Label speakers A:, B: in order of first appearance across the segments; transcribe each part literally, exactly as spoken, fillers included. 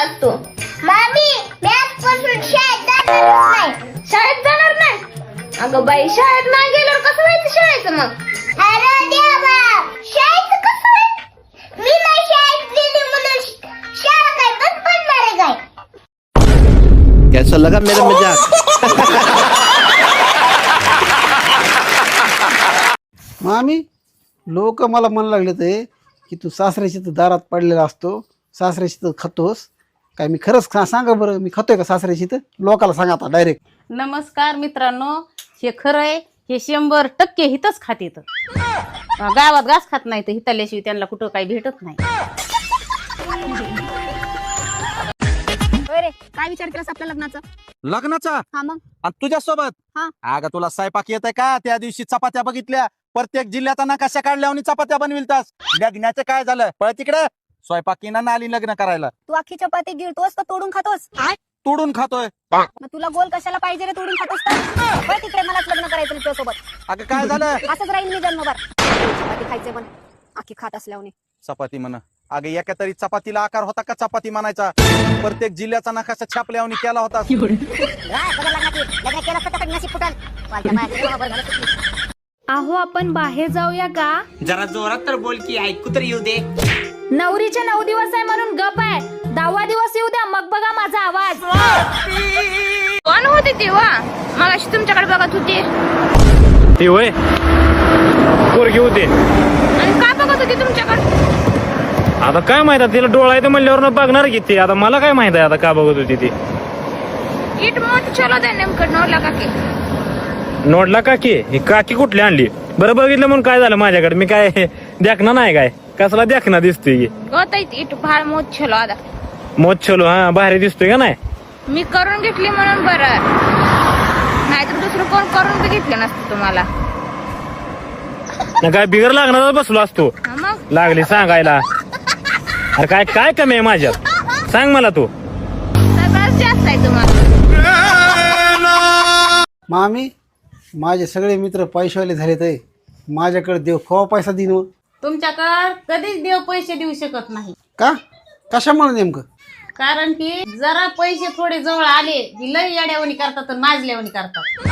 A: लागतो. मामी मी आजपासून शाळेत जाणार नाही. शाळेत जाणार नाही? अगं बाई, शाळेत नाही गेल्यावर कसं व्हायचं शाळेचं मग? अरे देवा, शाळेचं कसं व्हायचं? मी नाही शाळेत गेली म्हणून शाळा काय बंद पडणार आहे काय?
B: कैसा लगा मेरा मजाक?
C: मामी लोक मला म्हणू लागले ते की तू सासऱ्याची तर दारात पडलेला असतो, सासऱ्याची तर खातोस. काय मी खरंच खा सांगा बरं, मी खातोय का सासऱ्याची? तर लोकाला सांगा आता डायरेक्ट.
D: नमस्कार मित्रांनो, हे खरं आहे, हे शंभर टक्के हितच खाते. तर गावात घास खात नाही तर हिताल्याशिवाय त्यांना कुठं काही भेटत नाही.
E: काय विचार केलास आपल्या लग्नाचा?
F: लग्नाचा?
E: हा मग
F: आणि तुझ्यासोबत?
E: हा.
F: अगं तुला स्वयंपाक येत का? त्या दिवशी चपात्या बघितल्या, प्रत्येक जिल्ह्याचा नकाशा काढल्या आणि चपात्या बनविलतास. लग्नाचं काय झालं? पळ तिकडे. स्वयंपाकीना नाली लग्न करायला.
E: तू अख्खी चपाती गिळतोस का तोडून खातोस?
F: तोडून खातोय.
E: मग तुला गोल कशाला पाहिजे रे? तोडून खातोस का? बरं तिकडे, मलाच लग्न करायचं तुझ्यासोबत.
F: अगं काय झालं?
E: असंच राहील मी जन्मभर. चपाती खायचे पण अख्खी खात असल्याने.
F: चपाती म्हण. अगं एका तरी चपातीला आकार होता का चपाती म्हणायचा? प्रत्येक जिल्ह्याचा नकाशा छापल्यावर केला होता.
G: अहो आपण बाहेर जाऊया का?
H: जरा जोरात तर बोल की ऐकू तर येऊ दे.
G: नवरीचे नऊ दिवस आहे म्हणून गप आहे. दहावा दिवस येऊ द्या मग बघा माझा आवाज.
A: कोण होते तेव्हा? मगाशी तुमच्याकडे बघत होते.
I: ती होय पोरगी होते.
A: आणि का बघत होते तुमच्याकडे?
I: आता काय माहित आहे, तिला डोळा आहे म्हणल्यावर बघणार की ते. आता मला काय माहित आहे आता का बघत होती ती.
A: इट मोठ चलो दे नेमकं नवला काकी.
I: नोडला काकी? ही काकी कुठली आणली? बरं बघितलं म्हणून काय झालं माझ्याकडे? मी काय देखना नाही काय? कसला देखना दिसतोय?
A: होत इट भाळ मोठ चलो आता.
I: मोत छलो हा भारी दिसतोय का नाही?
A: मी करून घेतली म्हणून बरं, नाहीतर दुसरं कोण करून बी घेतलं नसतं तुम्हाला.
I: ना काय बिगर लागणार बसलो असतो.
A: हा मग
I: लागली सांगायला. अरे काय काय कमी आहे माझ्यात? सांग मला तू.
A: सगळंच जास्त आहे तुम्हाला.
C: मामी माझे सगळे मित्र पैशावाले झाले तर माझ्याकडे देव खवा पैसा देईन. मग
D: तुमच्याकडं कधीच देव पैसे देऊ शकत नाही.
C: का? कशामुळे नेमकं?
D: कारण की जरा पैसे थोडे जवळ आले की लय येड्यावणी करतात आणि माजल्यावणी करतात.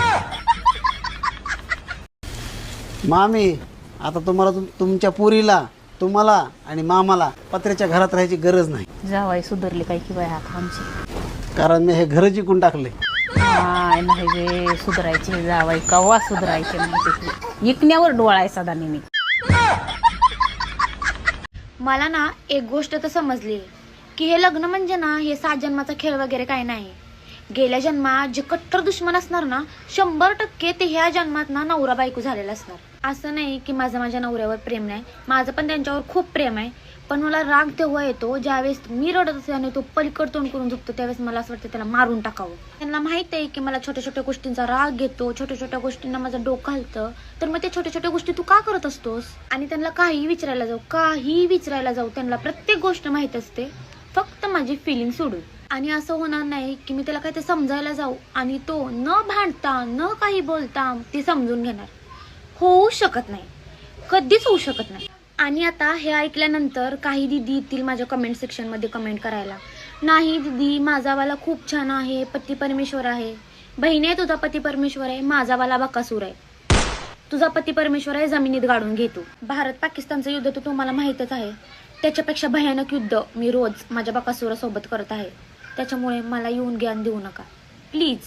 C: मामी आता तुम्हाला तुम- तुमच्या पुरीला, तुम्हाला आणि मामाला पत्र्याच्या घरात राहायची गरज नाही.
D: जावाई सुधारले काय की बाय आता आमची.
C: कारण मी हे घर जिंकून टाकले.
D: काय नाही वे सुधारायचे जावाई, कवा सुधारायचे नाही. ते इकण्यावर डोळा आहे सदा नेहमी.
G: मला ना एक गोष्ट तर समजली की हे लग्न म्हणजे ना हे सात जन्माचा खेळ वगैरे काही नाही. गेल्या जन्मात जे कट्टर दुश्मन असणार ना, शंभर टक्के ते ह्या जन्मात ना नवरा बायको झालेला असणार. असं नाही की माझं माझ्या नवऱ्यावर प्रेम नाही, माझं पण त्यांच्यावर खूप प्रेम आहे. पण मला राग तेव्हा येतो ज्यावेळेस मी रडत असते आणि तो पलीकड तोंड करून झोपतो, त्यावेळेस मला असं वाटतं त्याला मारून टाकावं. त्यांना माहित आहे की मला छोट्या छोट्या गोष्टींचा राग येतो, छोट्या छोट्या गोष्टींना माझं डोकं हलतं. तर मग त्या छोट्या छोट्या गोष्टी तू का करत असतोस? आणि त्यांना काही विचारायला जाऊ काही विचारायला जाऊ त्यांना प्रत्येक गोष्ट माहित असते, फक्त माझी फिलिंग सोडून. आणि असं होणार नाही की मी त्याला काय ते समजायला जाऊ आणि तो न भांडता न काही बोलता ते समजून घेणार. होऊ शकत नाही, कधीच होऊ शकत नाही. आणि आता हे ऐकल्यानंतर काही दिदी येतील माझ्या कमेंट सेक्शनमध्ये कमेंट करायला, नाही दिदी माझावाला खूप छान आहे, पती परमेश्वर आहे. बहिणी तुझा पती परमेश्वर आहे, माझावाला बकासूर आहे. तुझा पती परमेश्वर आहे, जमिनीत गाडून घेतो. भारत पाकिस्तानचं युद्ध तर तुम्हाला माहीतच आहे, त्याच्यापेक्षा भयानक युद्ध मी रोज माझ्या बकासुरासोबत करत आहे. त्याच्यामुळे मला येऊन ज्ञान देऊ नका प्लीज.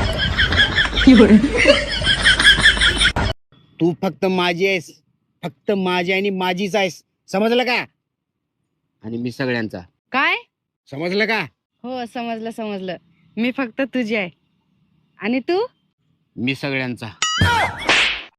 H: तू फक्त माझी आहेस, फक्त माझी आणि माझीच आहेस, समजलं का? आणि मी सगळ्यांचा.
J: काय?
H: समजलं का?
J: हो समजलं समजलं. मी फक्त तुझी आहे आणि तू?
H: मी सगळ्यांचा.